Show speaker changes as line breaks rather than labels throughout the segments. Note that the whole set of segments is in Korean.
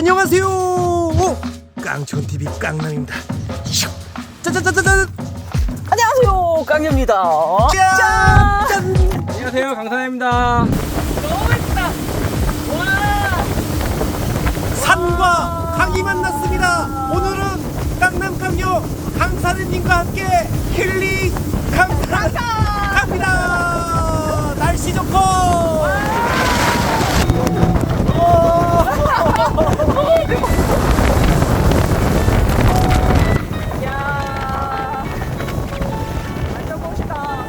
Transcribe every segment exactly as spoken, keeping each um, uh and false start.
안녕하세요. 오, 깡촌티비 깡남입니다. 짜자자자잔.
안녕하세요, 깡녀입니다.
짠! 짠!
안녕하세요, 강사입니다.
너무 맛있다. 와.
산과 강이 만났습니다. 오늘은 깡남 깡녀 강사님과 함께 힐링 강사 갑니다. 날씨 좋고.
야, 완전 멋있다.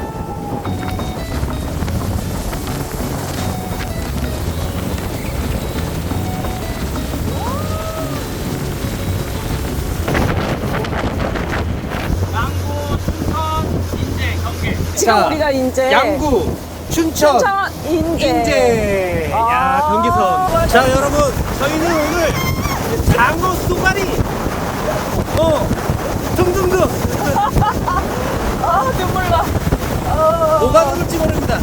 양구, 춘천, 인제, 경기.
지금
자,
우리가 이제
양구, 춘천,
춘천, 인제.
인제. 야,
아,
경계선. 자, 여러분, 저희는 오늘 장어 쏘가리, 어, 등등등
아, 눈물 나. 어.
뭐가 나올지 모릅니다.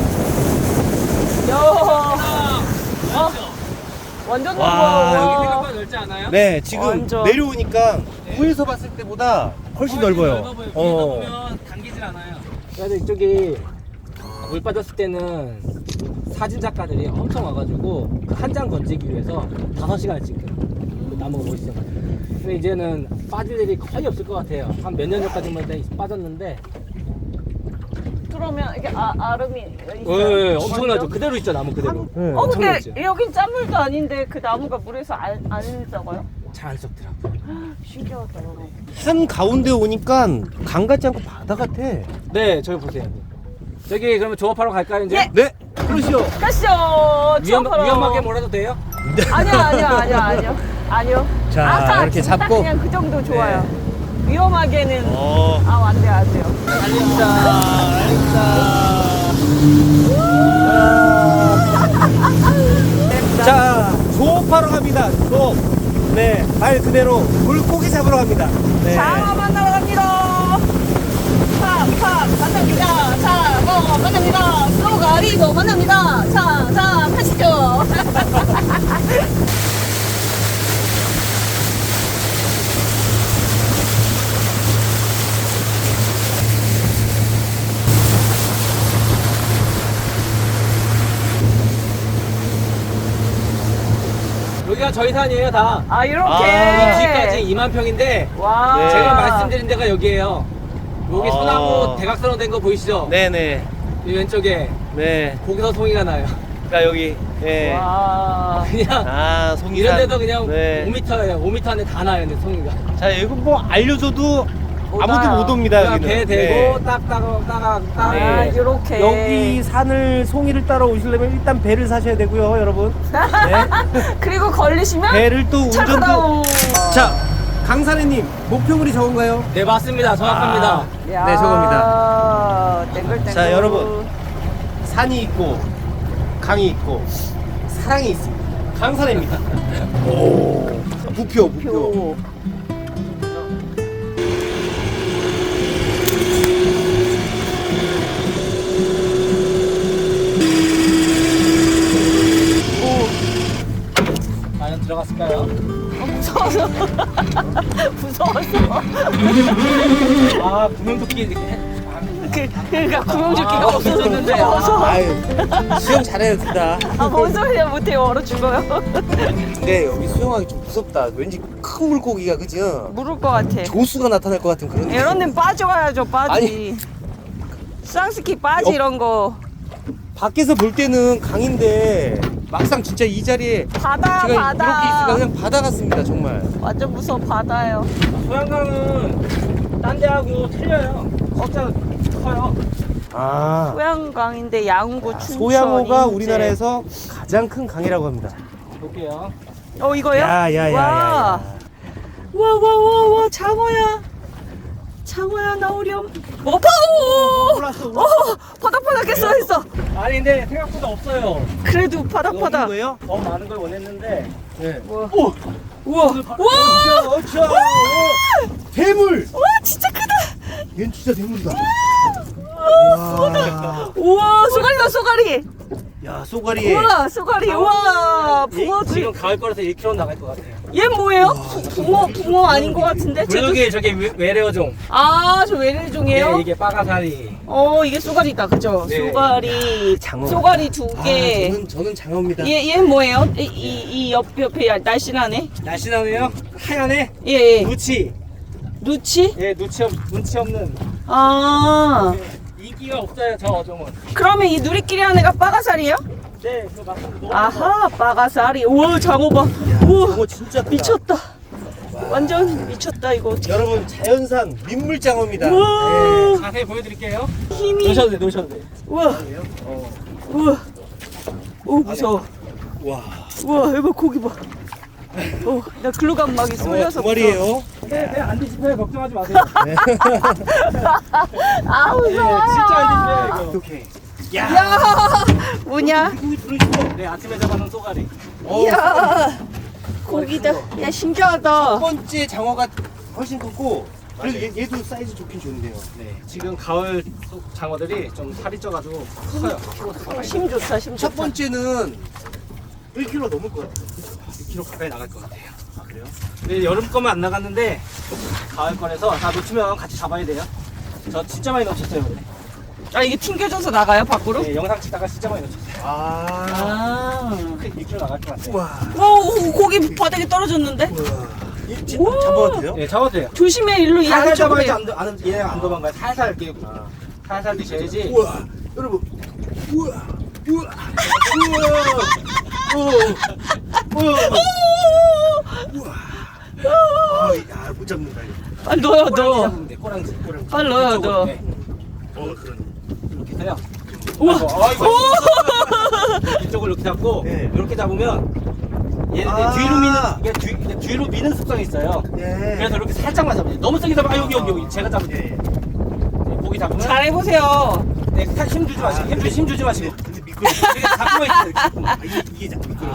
야. 어. 완전
와,
넓어.
여기
생각보다 넓지 않아요?
네, 지금
완전.
내려오니까 위에서 봤을 때보다 훨씬 넓어요.
넓어 보여요.
어.
위에서 보면 당기질 않아요. 그래서 이쪽이 물 빠졌을 때는 사진 작가들이 엄청 와가지고 그 한 장 건지기 위해서 다섯 시간을 찍거든요. 그 나무가 멋있어. 근데 이제는 빠질 일이 거의 없을 것 같아요. 한 몇 년 전까지만 해도 빠졌는데.
그러면 이게 아, 아름이
예,
있어요?
예, 엄청나죠. 그대로 있죠, 나무 그대로.
네.
어, 근데
엄청나죠.
여긴 짠물도 아닌데 그 나무가 물에서 안, 안 썩어요?
잘 안 썩더라고요.
신기하다.
산 가운데 오니까 강 같지 않고 바다 같아.
네, 저기 보세요. 저기 그러면 조업하러 갈까요, 이제?
예.
네, 그러시오.
가시죠.
위험,
추억하러.
위험하게 몰아도 돼요?
아니요, 아니요, 아니요, 아니요. 아니요.
자,
아까
이렇게
진짜
잡고.
그냥 그 정도 좋아요. 위험하게는
어,
아, 안 돼요, 안 돼요.
알립니다. 알립니다. 자, 조업하러 갑니다. 조업. 네, 말 그대로 물고기 잡으러 갑니다. 네.
장어 만나러 갑니다. 팍, 팍, 만납니다. 자, 뭐, 만납니다. 쏘가리도 만납니다. 자, 자, 가시죠.
여기가 저희 산이에요, 다.
아, 이렇게.
아,
뒤까지 이만 평인데
와.
네.
제가 말씀드린 데가 여기에요. 여기
아.
소나무 대각선으로 된 거 보이시죠?
네네.
이 왼쪽에
네.
거기서 송이가 나요.
자, 여기. 네.
와.
그냥
아, 송이산.
이런 데도 그냥
네.
오 미터예요. 오 미터 안에 다 나요, 근데 송이가.
자, 이거 뭐 알려줘도
못
아무도
와요.
못 옵니다.
그냥
여기는.
배 대고
네.
딱딱 딱딱 딱.
아,
네.
요렇게.
여기 산을 송이를 따라 오시려면 일단 배를 사셔야 되고요, 여러분. 네.
그리고 걸리시면
배를 또 운전도.
차가워.
자, 강사래님 목표물이 저건가요?
네, 맞습니다. 정확합니다.
아, 네, 저겁니다.
땡글땡글.
자, 여러분. 산이 있고 강이 있고 사랑이 있습니다. 강사래입니다. 오, 부표, 부표.
표.
과연 들어갔을까요?
어, 무서워서. 무서워서.
아, 구명조끼 이렇게.
그, 그러니까 구명조끼가
아,
없어졌는데.
없어졌는데.
무서워.
아유, 수영 잘해야 된다.
아, 뭔 소리야, 못해요. 얼어 죽어요.
근데 여기 수영하기 좀 무섭다. 왠지 큰 물고기가 그죠?
물을 것 같아.
조수가 나타날 것 같은 그런.
이런 데는 빠져가야죠, 빠지.
아니.
쌍스키 빠지,
어.
이런 거.
밖에서 볼 때는 강인데 막상 진짜 이 자리에
바다,
제가
바다.
이렇게 있으니까 그냥 바다 같습니다, 정말.
완전 무서워, 바다요.
소양강은 딴 데하고 틀려요. 진짜 커요.
아,
소양강인데 양구, 춘천.
소양호가
인제.
우리나라에서 가장 큰 강이라고 합니다.
볼게요.
어, 이거요?
야, 야, 야, 야, 야.
와, 와, 와, 와, 장어야. 장어야, 나오렴. 어, 파오!
올랐어,
어, 바닥바닥했어, 했어.
아니, 근데 생각보다 없어요.
그래도
먹는
바닥바닥.
거예요?
더 많은 걸 원했는데.
네.
우와.
오,
우와, 우와!
어차, 어차. 대물.
와, 진짜 크다.
얘는 진짜 대물이다.
우와,
와.
우와, 쏘가리다, 쏘가리.
야, 쏘가리에.
우와, 쏘가리, 우와,
이-
붕어지.
지금 가을 거라서 일 킬로그램 나갈 것 같아요.
얘 뭐예요? 붕어, 붕어 아닌 것 같은데? 쟤도-
블루기 저게 외- 외래어종.
아, 저 외래종이에요?
네, 이게 빠가사리.
어, 이게 쏘가리다, 그죠?
네.
쏘가리,
장어.
쏘가리 두
아,
개.
저는, 저는 장어입니다.
얘, 얘 뭐예요? 이, 이, 이 옆, 옆에 날씬하네?
날씬하네요. 하얀에
예, 예.
누치.
누치?
예, 누치 없, 눈치 없는.
아,
네, 인기가 없어요, 저 어종은.
그러면 이 누리끼리 하는 애가 빠가살이에요?
네, 그거 맞습니다.
아하, 빠가살이. 우와, 장어 봐. 우와,
장어 진짜 크다.
미쳤다. 완전 미쳤다, 이거.
여러분, 자연산 민물장어입니다.
우와,
자세히 보여드릴게요.
힘이.
놓으셔도 돼, 놓으셔도 돼.
우와,
어.
우와. 오, 무서워.
와,
우와, 이거 고기 봐. 어, 나 글로 가면 막이
장어
쏠려서.
두 마리예요.
네, 배안 뒤집혀요. 걱정하지 마세요.
아,
네,
무서워.
진짜 안 뒤집혀요, 이거.
오케이. 야,
야, 뭐냐?
고기 들어있어.
네, 아침에 잡아놓은 쏘가리.
어,
야, 고기다. 야, 신기하다.
첫 번째 장어가 훨씬 크고, 그래도 얘, 얘도 사이즈 좋긴 좋은데요.
네, 지금 가을 소- 장어들이 좀 살이 쪄가지고 커요. 키로수가.
힘 좋다, 힘
첫
좋다.
번째는 일 킬로그램 넘을 것 같아요.
일 킬로그램 가까이 나갈 것 같아요.
아, 그래요?
네, 여름 거만 안 나갔는데 가을 거라서 다 놓치면 같이 잡아야 돼요. 저 진짜 많이 놓쳤어요. 근데.
아, 이게 튕겨져서 나가요, 밖으로?
네, 영상 찍다가 진짜 많이 놓쳤어요.
아,
아.
일 킬로그램 나갈 것 같아요.
우와.
오, 오, 고기 바닥에 떨어졌는데?
우와. 이 진-
우와.
잡아도 돼요?
네, 잡아도 돼요.
조심해, 일로 이
살살
안쪽으로.
잡아야지 안, 도- 안, 얘네가 안 도망가요. 살살 이렇게 살살 드셔야지.
우와, 여러분. 우와, 우와, 우와, 우와, 우와. 아, 야, 못 잡는다. 이거.
빨리 넣어요,
꼬랑지
넣어.
잡으면 돼, 꼬랑지. 꼬랑지.
빨리 넣어요,
이쪽으로,
넣어.
네.
어, 그런.
이렇게 해서요.
우와.
아이고, 아이고. 이쪽을 이렇게 잡고
네.
이렇게 잡으면 얘는
아.
뒤로 미는 이게 뒤, 이게 뒤로 미는 습성이 있어요.
네.
그래서 이렇게 살짝만 잡아요. 너무 세게 잡아. 아, 여기 여기 여기 제가 잡을게요.
네.
네, 고기 잡으면
잘해보세요.
네, 살- 힘 주지 마시고 힘, 주, 힘 주지 마시고
근데 미끄러.
이렇게 잡고 있어요. 이렇게.
아, 이게 이게 자꾸 미끄러.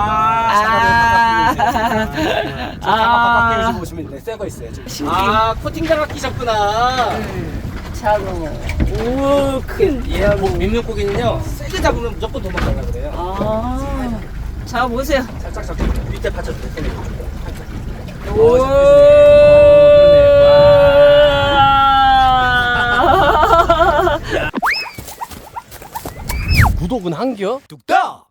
아,
아.
장갑 바깥 끼우시고 보시면 돼. 새거 있어요. 지금.
신기해.
아, 코팅 장갑 끼셨구나.
장어. 우와, 큰.
얘 뭐, 민물고기는요 세게 잡으면 무조건 도망가려 그래요.
아. 자, 보세요.
살짝 잡고 밑에 받쳐주세요.
오.
구독은 한겨? 뚝딱.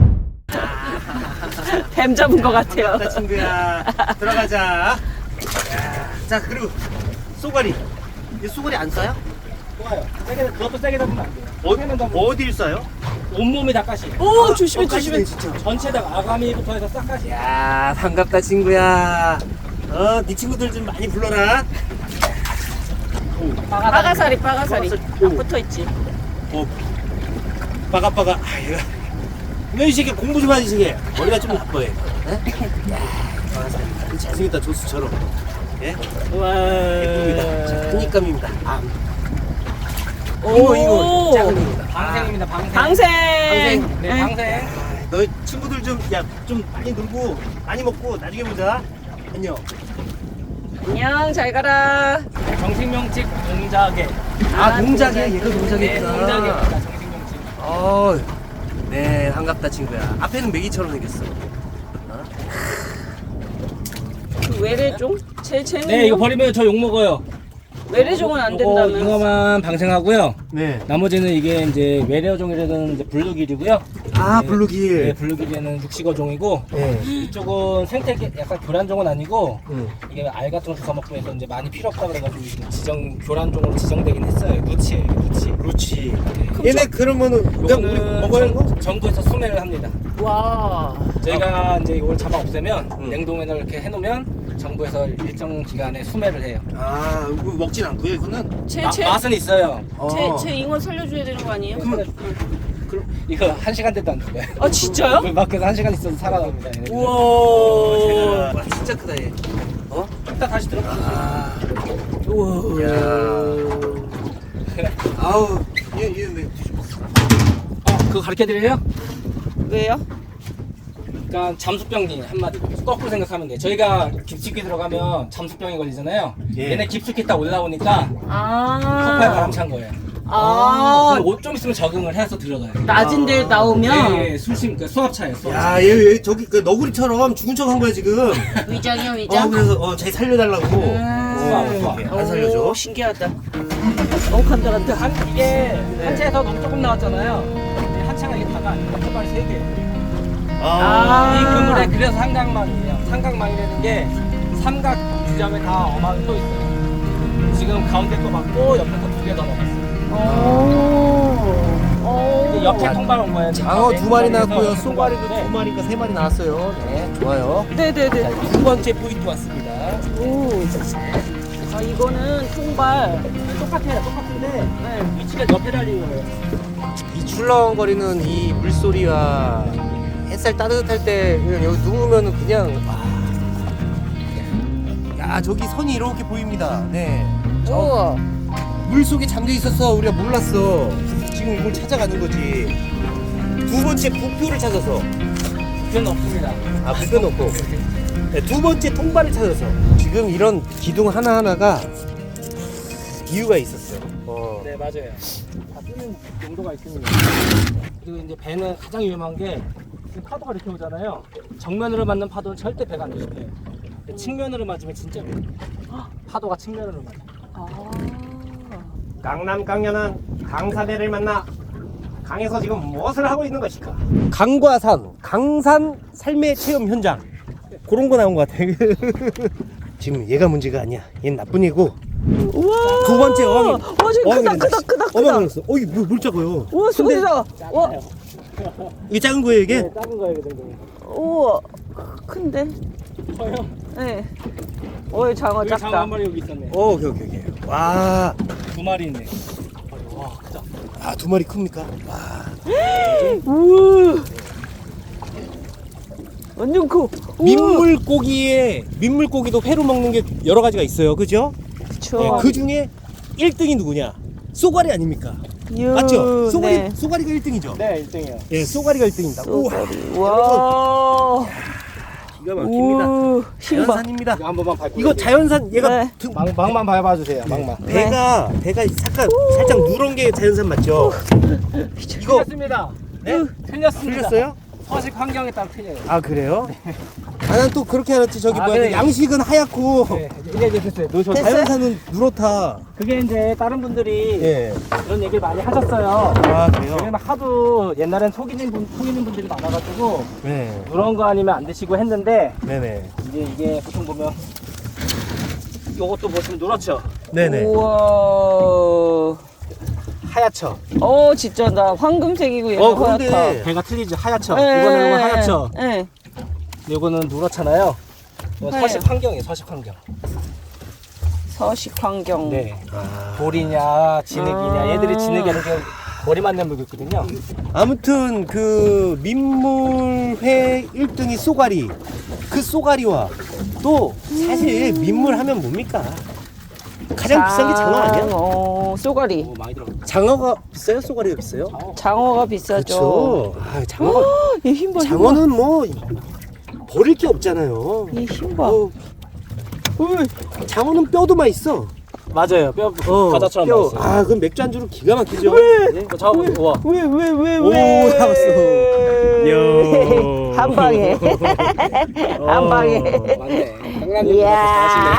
뱀 잡은 것 같아요.
자, 친구야, 들어가자. 야, 자, 그리고 쏘가리. 이 쏘가리 안 싸요?
좋아요. 세게 그것도 세게 잡으면 안 돼요.
어,
세게는 잡으면
어디를 싸요?
온몸이 다 가시.
오, 조심해,
어, 가시네,
조심해.
진짜.
전체에다가 아가미부터 해서 싹 가시.
야, 반갑다 친구야. 어, 네 친구들 좀 많이 불러라.
빠가사리, 빠가사리.
오.
붙어 있지.
어, 빠가빠가. 아, 얘가. 너이 새끼 공부 좀 하지, 이 새끼. 머리가 좀 나빠해. 야, 빠가사리. 잘생겼다, 조수처럼. 예?
와.
예쁩니다. 자, 큰입감입니다. 아,
오.
이거, 이거. 작은 이거다.
방생입니다. 방생.
방생.
방생.
네, 방생.
아, 너희 친구들 좀, 야, 좀 많이 놀고, 많이 먹고, 나중에 보자. 안녕.
안녕, 잘 가라.
정식명칭 동자개.
아, 동작이야?
동작이.
얘가
네,
동작이구나.
동자개입니다. 정식명칭.
어, 네, 반갑다, 친구야. 앞에는 메기처럼 생겼어.
그 외래종? 제, 쟤는
네, 이거 버리면 저 욕 먹어요.
외래종은 안
요거
된다면.
잉어만 방생하고요.
네.
나머지는 이게 이제 외래어종이라는 이제 블루길이고요.
아,
네,
블루길.
네, 블루길에는 육식어종이고
네.
이쪽은 생태 약간 교란종은 아니고
응.
이게 알 같은 거 주워 먹고 해서 이제 많이 필요 없다 그래가지고 이제 지정 교란종으로 지정되긴 했어요. 누치예요, 누치.
그렇지. 얘네 그러면은 그냥 우리
요거는
먹어야 하는 거?
정- 정부에서 수매를 합니다.
와.
저희가 이제 이걸 잡아 없애면
음.
냉동에 이렇게 해놓으면 정부에서 일정 기간에 수매를 해요.
아, 이거 먹진 않고요, 이거는.
제,
마-
제,
맛은 있어요.
제,
어.
제 잉어 살려줘야 되는 거 아니에요?
그, 이거 한 시간 돼도 안 죽어요.
아, 진짜요?
물 밖에서 한 시간 있어도 살아납니다. 얘네들.
우와.
와, 와, 진짜 크다, 얘. 어?
이따 다시 들어가세요.
아,
우와.
야. 아우, 얘, 얘, 왜 뒤집어?
어, 그거 가르쳐 드려요?
왜요?
그러니까 잠수병이 한마디로 거꾸로 생각하면 돼. 저희가 깊숙이 들어가면 잠수병이 걸리잖아요.
예.
얘네 깊숙이 딱 올라오니까 컵에
아.
바람 찬 거예요.
아,
그럼 옷 좀 있으면 적응을 해서 들어가요.
낮은 데 나오면
네, 술심, 그 수압차예요. 수압차.
야, 얘, 얘 저기 그 너구리처럼 죽은 척 한 거야 지금.
위장이요,
어,
위장.
그래서 어, 자기 살려달라고.
수압, 수압.
이렇게 안 살려줘.
오, 신기하다. 너무 간단한데.
한, 이게 한 채에서 너무 조금 나왔잖아요. 이 한 채가 이게 다가 아니고 한 세 개.
아,
이 그물에 그래서 삼각망이에요. 삼각망이라는 게 삼각 지점에 다 어망이 또 있어요. 지금 가운데 거 맞고 옆에 거 두 개 더 넣었어요.
오.
이제 옆에 통발 온 거예요.
장어 두 마리 나왔고요.
옆에
쏘가리도
통발인데
두 마리인가 세 마리 나왔어요. 네, 좋아요.
네네네.
두 번째 포인트 왔습니다.
오. 아, 이거는 통발.
똑같아요. 똑같은데
네.
위치가 옆에 달린 거예요.
이 출렁거리는 이 물소리와 햇살 따뜻할 때 그냥 여기 누우면 그냥 와. 야, 저기 선이 이렇게 보입니다. 네. 저
우와.
물 속에 잠겨 있었어. 우리가 몰랐어. 지금 이걸 찾아가는 거지. 두 번째 부표를 찾아서.
그건 없습니다.
아, 부표 놓고. 네, 두 번째 통발을 찾아서. 지금 이런 기둥 하나하나가 이유가 있었어요. 어.
네, 맞아요. 다 쓰는 용도가 있습니다. 그리고 이제 배는 가장 위험한 게 지금 파도가 이렇게 오잖아요. 정면으로 맞는 파도는 절대 배가 안 조심해요. 근데 측면으로 맞으면 진짜 위험해요. 파도가 측면으로 맞아요.
아.
강남 강연은 강사대를 만나 강에서 지금 무엇을 하고 있는 것일까?
강과 산, 강산 삶의 체험 현장. 그런 거 나온 것 같아. 지금 얘가 문제가 아니야. 얘는 나쁜 애고.
우와.
두 번째 어항이.
와, 지금 크다, 크다, 크다, 크다.
어망 걸렸어. 어, 이게 물, 물 작아요.
우와, 수고리다. 와,
이게 작은 거예요, 이게?
네, 작은 거예요, 그 정도.
우와. 큰데?
커요.
네. 어이, 장어
여기 장어
작다.
한 마리 여기 있었네.
어, 오케이, 오케이, 오케이. 와,
두 마리 있네. 와, 크다.
아, 두 마리 큽니까? 와.
우와. 완전 커. 우와.
민물고기에, 민물고기도 회로 먹는 게 여러 가지가 있어요. 그죠?
그쵸.
네, 그 중에 일 등이 누구냐? 쏘가리 아닙니까?
이야,
맞죠? 쏘가리,
네.
쏘가리가 일 등이죠?
네, 일 등이에요.
예, 쏘가리가 일 등입니다. 우와,
쏘가리. 와.
기가 막힙니다.
우와. 신발.
자연산입니다.
이거 한 번만 밟고.
이거 자연산, 얘가
네.
등-
망, 망만 밟아 주세요. 망만.
배가, 배가 살짝, 살짝 누런 게 자연산 맞죠? 이거,
틀렸습니다.
네?
틀렸습니다.
틀렸어요?
서식 환경에 따라 틀려요.
아, 그래요? 아, 난 또 그렇게 알았지. 저기
아,
뭐야.
네.
양식은 하얗고,
네, 이제 이제 됐어요. 놓으셔.
됐어요?
자연산은 누렇다.
그게 이제 다른 분들이
예.
그런 얘기를 많이 하셨어요.
아, 그래요?
왜냐면 하도 옛날엔 속이는 분, 속이는 분들이 많아가지고
네.
누런 거 아니면 안 드시고 했는데
네네.
이제 이게 보통 보면 요것도 보시면 누렇죠.
네네.
우와.
하얗죠.
어, 진짜 나 황금색이고 얘는
어, 근데
하얗다.
배가 틀리죠. 하얗죠.
네.
이거는 이거 하얗죠.
네.
이거는 누렇잖아요. 이거
하얘요.
서식 환경이에요. 서식 환경.
서식 환경.
네.
아,
돌이냐 진흙이냐
아.
얘들이 진흙이라는 게 머리 맞는 물고 있거든요.
아무튼 그 민물회 일 등이 쏘가리. 그 쏘가리와 또 사실 민물 하면 뭡니까? 가장 비싼 게 장어 아니야?
어, 쏘가리.
오, 많이 들어.
장어가 비싸요? 쏘가리가 비싸요?
장어가 비싸죠.
그렇죠. 아, 장어가
얘 힘 봐, 힘 봐.
장어는 뭐 버릴 게 없잖아요.
얘 힘 봐.
어, 장어는 뼈도 맛있어.
맞아요. 뼈
어,
과자처럼
뼈.
맛있어요.
아, 그럼 맥주 안주로 기가 막히죠. 네.
저 와.
왜, 왜, 왜,
오,
왜?
잡았어. 야.
한 방에. 한 방에.
맞네. 강남님
이야.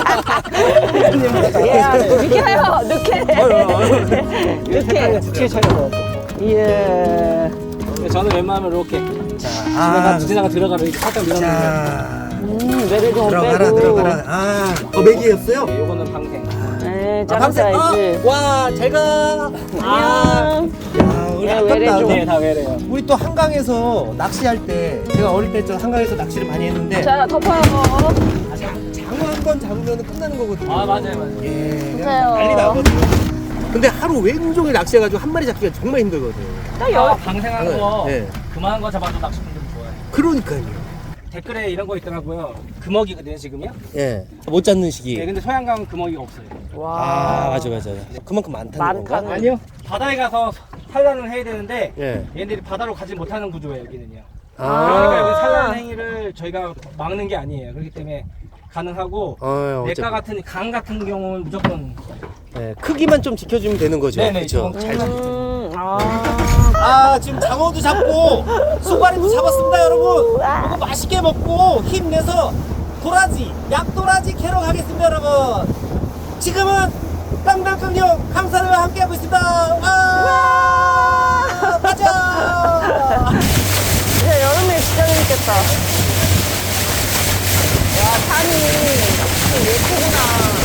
이야, 느껴요, 느껴.
색깔이 특히 차이가
이야.
저는 웬만하면 이렇게
아,
지나가 지나가 들어가면 이렇게 살짝 밀어넣는 거예요.
자,
음, 매를 좀
들어가라,
빼고.
들어가라. 아, 어, 맥이었어요?
네, 요거는 방생.
네,
아, 밤새-
잘라야지.
아, 와, 잘 가. 아,
안녕.
야, 우리
야,
아깝다.
외래 좀.
네, 다 외래요.
우리 또 한강에서 낚시할 때, 제가 어릴 때 저 한강에서 낚시를 많이 했는데,
자, 덮어요.
장어 한 번 잡으면 끝나는 거거든요.
아, 맞아요, 맞아요.
예, 그냥
맞아요.
난리 나거든요. 근데 하루 왼종일 낚시해가지고 한 마리 잡기가 정말 힘들거든요.
딱
아,
열.
방생하는 거
네.
그만한 거 잡아도 낚시꾼들 좋아해요.
그러니까요.
댓글에 이런 거 있더라고요. 금어기거든요, 지금요?
예. 못 잡는 시기.
네, 근데 소양강은 금어기가 없어요.
아, 맞아, 맞아. 그만큼 많다는
많다는
건가?
아니요. 바다에 가서 산란을 해야 되는데
예.
얘네들이 바다로 가지 못하는 구조예요, 여기는요.
아.
그러니까 여기 산란 행위를 저희가 막는 게 아니에요. 그렇기 때문에 가능하고
어,
내과 같은 강 같은 경우는 무조건
네, 크기만 좀 지켜주면 되는 거죠.
네네,
그렇죠.
좀
잘.
음, 아.
아 지금 장어도 잡고 쏘가리도 잡았습니다, 여러분. 이거 맛있게 먹고 힘내서 도라지, 약도라지 캐러 가겠습니다, 여러분. 지금은 깡깡깡령 강사를 함께하고 있습니다. 와, 가자.
이제 여름에 진짜 재밌겠다. 와, 산이 예쁘구나.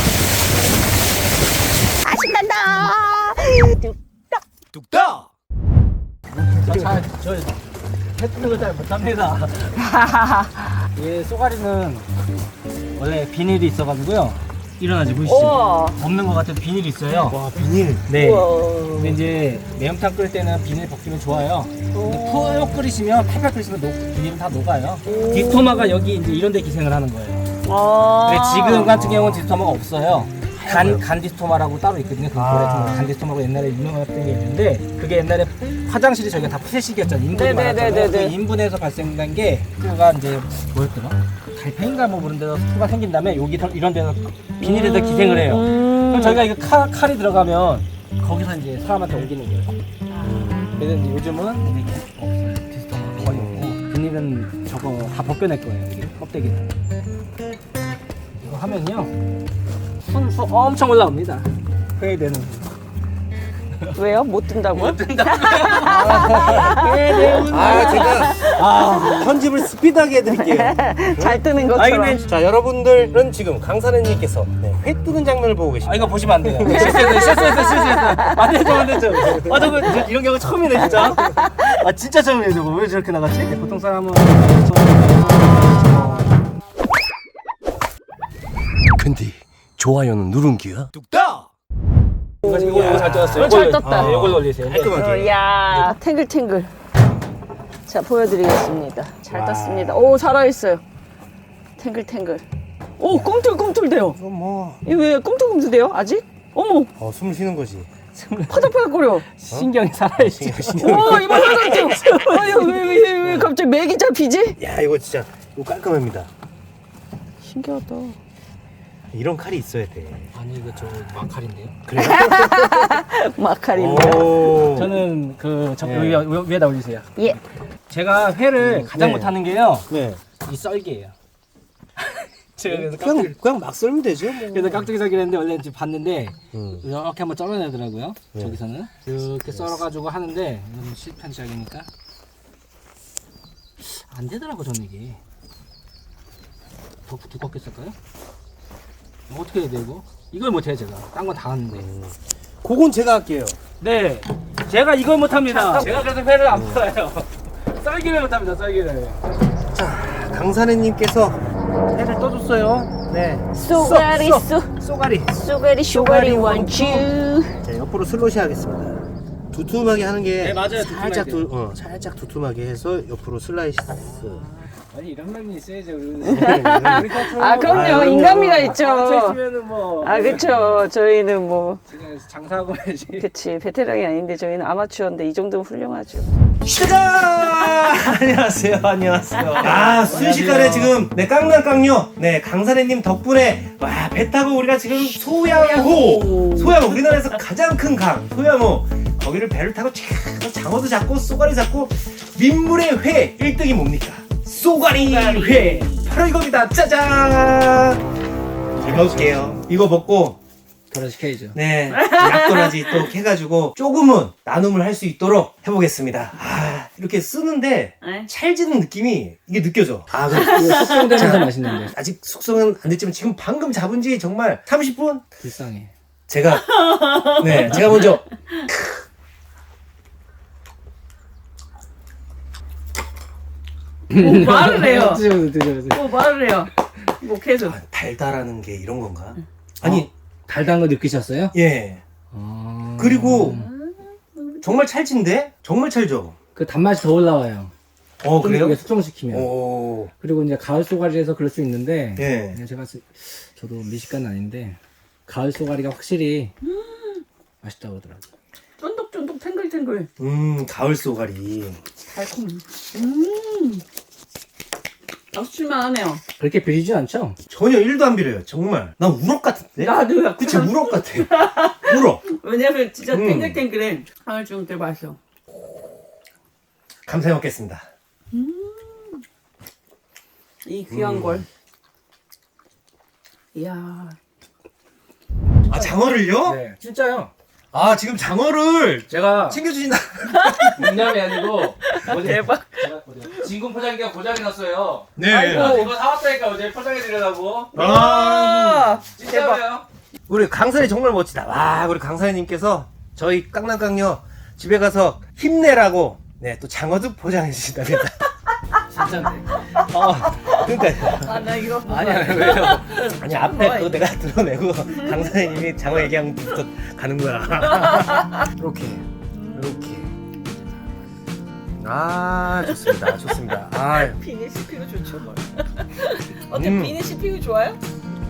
아, 신난다. 뚝딱.
뚝딱.
저저 해뜨는 걸 잘 못합니다. 예, 쏘가리는 원래 비닐이 있어가지고요. 일어나지 보시죠.
우와.
없는 것 같아도 비닐이 있어요.
와 비닐.
네.
우와.
근데 이제 매운탕 끓일 때는 비닐 벗기면 좋아요. 근데 푹 끓이시면 팔팔 끓이시면 녹, 비닐은 다 녹아요. 디스토마가 여기 이제 이런 데 기생을 하는 거예요.
아.
근데 지금 같은 경우는 디스토마가 없어요. 간, 간 디스토마라고 따로 있거든요. 그
아.
간 디스토마라고 옛날에 유명했던 게 있는데 그게 옛날에 화장실이 저희가 다 폐식이었잖아요. 인분이
네네네네네.
많았잖아요. 그 인분에서 발생된 게 그가 이제 뭐였더라? 달팽인가 뭐 그런 데서 수가 생긴 다음에 여기 더- 이런 데서 비닐에다 기생을 해요.
음.
그럼 저희가 이거 칼, 칼이 들어가면 거기서 이제 사람한테 옮기는 거예요. 그래서 이제 요즘은 이제 없어요. 디스토마가 거의 없고 비닐은 저거 다 벗겨낼 거예요. 이게 껍데기를. 이거 하면요. 순수 엄청 올라옵니다. 회되는.
왜요? 못 든다고요?
회되는.
아 제가 아, 편집을 스피드하게 해드릴게요.
잘 뜨는
아
것처럼.
근데 자 여러분들은 지금 강사님께서 네, 회 뜨는 장면을 보고
아
계십니다.
이거 보시면 안 돼요. 실수했어, 실수했어, 실수했어. 안 되죠, 안 되죠. 아 저거 저 이런 경우 처음이네 진짜. 아 진짜 처음이에요 저거. 왜 저렇게 나갔지? 보통 사람은
근데 좋아요는 누른기야? 뚝딱.
이거 이거 이거 잘 떴어요.
어, 잘 떴다.
네, 이걸로 올리세요.
깔끔하게.
어, 야 탱글탱글. 자, 보여드리겠습니다. 잘
와.
떴습니다. 오, 살아있어요. 탱글탱글. 오, 꿈틀꿈틀대요.
이건 뭐
이거 왜 꿈틀꿈틀대요? 아직? 어머,
어, 숨을 쉬는 거지.
파닥파닥거려.
신경이 살아있지.
오, 이거 살아있죠. 아유, 왜, 왜, 왜 갑자기 맥이 잡히지?
야 이거 진짜 이거 깔끔합니다.
신기하다.
이런 칼이 있어야 돼.
아니 이거 저 마칼인데요.
그래요?
마카린데.
오.
저는 그저
네.
여기 위- 위에다 올리세요.
예.
제가 회를 가장
네.
못하는 게요.
네.
이 썰기예요. 제가 그래서
그냥
깍두기,
그냥 막 썰면 되죠. 뭐.
그래서 깍두기 썰기를 했는데 원래 지금 봤는데
음.
이렇게 한번 썰어내더라고요.
네.
저기서는 이렇게 썰어가지고 하는데 이건 실패한 시작이니까 안 되더라고 저는 이게. 더 두껍게 썰까요? 뭐 어떻게 해야 돼 이거? 이걸 못해요 제가. 딴 건 다 하는데.
그건 제가 할게요.
네, 제가 이걸 못합니다. 제가 그래서 회를 안 풀어요. 썰기를 못합니다. 썰기를.
자 강사님께서 회를 떠줬어요. 네.
쏘가리,
쏘,
쏘.
쏘. 쏘가리.
쏘가리, 쏘가리, 원츄.
자 옆으로 슬롯이 하겠습니다. 두툼하게 하는 게
네, 맞아요.
살짝
두툼하게.
두, 어, 살짝 두툼하게 해서 옆으로 슬라이스.
아니 이런 말이 있어야죠.
아, 그럼요.
아유,
인간미가
뭐.
있죠.
있으면은 뭐.
아, 그쵸. 저희는 뭐.
지금 장사하고 해야지.
그치. 베테랑이 아닌데 저희는 아마추어인데 이 정도면 훌륭하죠.
짜잔! 안녕하세요, 안녕하세요. 아, 순식간에 지금, 네, 깡랑깡녀, 네, 강사래님 덕분에, 와, 배 타고 우리가 지금 소양호, 소양호, 우리나라에서 가장 큰 강, 소양호, 거기를 배를 타고 쫙, 장어도 잡고, 쏘가리 잡고, 민물의 회, 일 등이 뭡니까? 쏘가리 회! 바로 이겁니다, 짜잔! 잘 먹을게요. 이거 먹고,
돌아시켜야죠.
네, 약도라지 또 해가지고 조금은 나눔을 할 수 있도록 해보겠습니다. 아, 이렇게 쓰는데
네.
찰지는 느낌이 이게 느껴져. 아, 그래.
숙성되면서 맛있는데.
아직 숙성은 안 됐지만 지금 방금 잡은 지 정말 삼십 분?
불쌍해.
제가, 네, 제가 먼저.
뭐 말을 해요.
드셔보세요, 드셔보세요.
뭐 말을 해요. 뭐 계속.
아, 달달하는 게 이런 건가? 아니,
달달한 거 느끼셨어요?
예.
아...
그리고 정말 찰진데? 정말 찰져.
그 단맛이 더 올라와요.
어,
좀
그래요?
이게 숙성시키면.
오,
그리고 이제 가을 쏘가리에서 그럴 수 있는데
예.
그냥 제가 쓰- 저도 미식가는 아닌데 가을 쏘가리가 확실히 맛있다고 하더라고요.
쫀득쫀득 탱글탱글.
음, 가을 쏘가리.
달콤. 음. 아주 칠만하네요.
그렇게 비리지 않죠?
전혀 일도 안 비려요. 정말. 난 우럭 같은데?
나도 약간.
그치, 우럭 같아. 우럭.
왜냐면 진짜
음.
탱글탱글해. 아, 좀 되게 맛있어.
감사히 먹겠습니다.
이 귀한
음.
걸. 이야.
아, 장어를요?
네, 진짜요.
아, 지금 장어를
제가
챙겨주신다.
농담이 아니고 어제
대박.
제가 어제 진공 포장기가 고장이 났어요.
네.
아이고.
이거 사왔다니까 어제 포장해 드리려고.
아,
진짜요?
우리 강사님 정말 멋지다. 와, 우리 강사님께서 저희 깡남깡녀 집에 가서 힘내라고 네, 또 장어도 보장해 주신답니다.
진짜인데.
어, 그러니까
아, 나 이거.
아니 아니 왜요?
아니 앞에 그거 내가 드러내고 강사님이 장어 얘기하면부터 가는 거야. 이렇게 이렇게. 아, 좋습니다. 좋습니다. 아,
비닐 씨피유 좋죠, 뭘. 어때,
음.
비닐 씨피유 좋아요?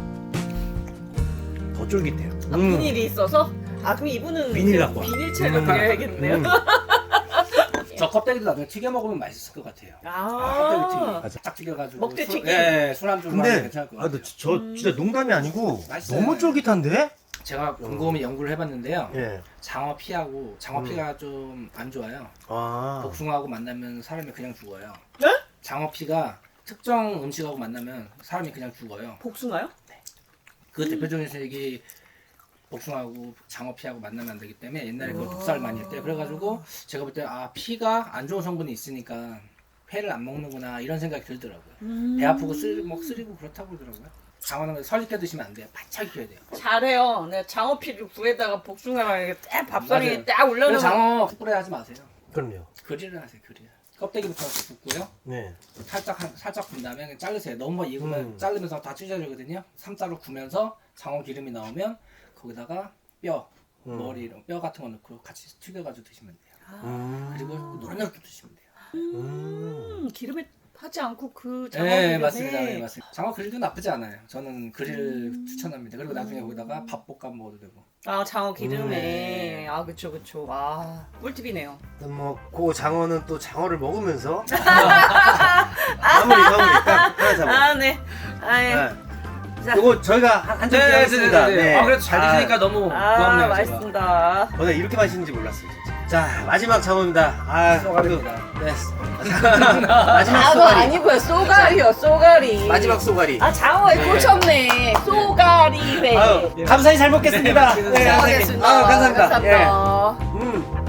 더 쫄깃해요.
아,
음.
비닐이 있어서? 아, 그럼 이분은
비닐 갖고 와.
비닐채를
음.
드려야겠네요.
음.
저 껍데기도 나중에 튀겨 먹으면 맛있을 것 같아요.
아,
껍데기 튀김.
맞아.
딱 튀겨가지고.
먹태
술-
튀김.
예, 술안주 하면
근데
괜찮을 것
아,
같아요.
너, 저 진짜 농담이 아니고
맛있어요.
너무 쫄깃한데?
제가 곰곰이 연구를 해봤는데요.
예.
장어 피하고 장어 피가 좀 안 좋아요.
아.
복숭아하고 만나면 사람이 그냥 죽어요.
네?
장어 피가 특정 음식하고 만나면 사람이 그냥 죽어요.
복숭아요?
그 대표적인 색이 복숭아하고 장어 피하고 만나면 안 되기 때문에 옛날에 그 독살 많이 했대요. 그래가지고 제가 볼 때 아 피가 안 좋은 성분이 있으니까 회를 안 먹는구나 이런 생각이 들더라고요.
음.
배 아프고 쓰리, 뭐 쓰리고 그렇다고 그러더라고요. 장어는 설익게 드시면 안 돼요. 바짝 익혀야 돼요.
잘해요. 내가 장어피를 구에다가 복숭아랑 이렇게 딱 밥상에
맞아요.
딱
그래서
올려놓으면.
장어 숯불에 하지 마세요.
그럼요.
그릴을 하세요. 그릴. 껍데기부터 굽고요.
네.
살짝 한, 살짝 군 다음에 그냥 자르세요. 너무 익으면
음.
자르면서 다 찢어지거든요. 삼자로 구면서 장어 기름이 나오면 거기다가 뼈,
음.
머리 이런 뼈 같은 거 넣고 같이 튀겨가지고 드시면 돼요.
음.
그리고 노릇노릇 드시면 돼요.
음.
음, 기름에 타지 않고 그 장어
네,
기름에.
맞습니다. 네, 맞습니다. 장어 그릴도 나쁘지 않아요. 저는 그릴
음.
추천합니다. 그리고 나중에 거기다가 밥볶아 먹어도 되고.
아, 장어 기름에.
음, 네.
아, 그쵸, 그쵸. 아, 꿀팁이네요.
뭐, 그 장어는 또 장어를 먹으면서 마무리 마무리 딱 하나 잡아.
아, 네. 아, 예.
네.
자.
요거 저희가 한- 한점 하겠습니다. 네.
아, 그래도 잘 드시니까 너무
아,
고맙네요. 제가.
맛있습니다.
오늘 이렇게 맛있는지 몰랐어요, 진짜. 자, 마지막 장어입니다. 아,
쏘가리입니다.
그- 네. 마지막
장어
쏘가리.
아니고요. 쏘가리요, 쏘가리.
마지막 쏘가리.
아, 장어에 꽂혔네. 쏘가리회.
아유, 감사히 잘 먹겠습니다.
네,
네,
잘
선생님.
먹겠습니다.
아유, 감사합니다.
감사합니다.
예. 음.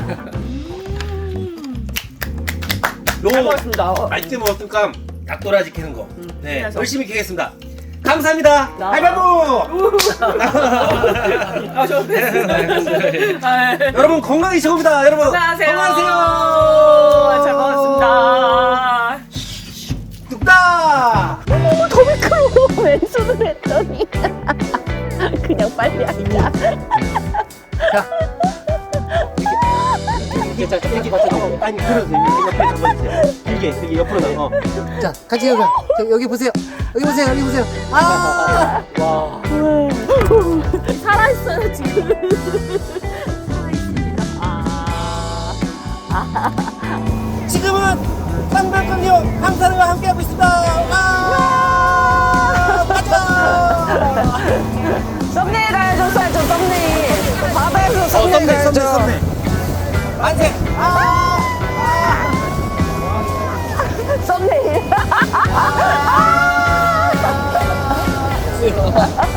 잘
요거
먹었습니다.
맛있게 먹었으니까 닭도라지 캐는 거. 네,
그래서.
열심히 캐겠습니다. 감사합니다.
나-
할바부.
아, 저
네.
아,
여러분 건강히 최고입니다. 여러분
건강하세요.
건강하세요.
잘 먹었습니다.
뚝딱.
더 미끄러워. 왼손을 했더니 그냥 빨리 앉아.
이게 자, 이렇게 어, 아니 그러세요. 이렇게 옆에 잡아주세요. 길게, 길게 옆으로 나가. 자, 같이 여기 여기 보세요. 여기 보세요. 여기 보세요. 아, 와.
살아있어요 지금.
지금은 깡깡깡요 강사님과 함께하고 있습니다. 와! 맞아!
썸네일 가야죠, 저 썸네일. 바다에서
어,
썸네일
썸네,
가야죠.
썸네, 썸네. 만세! 아!
썸네일.
아!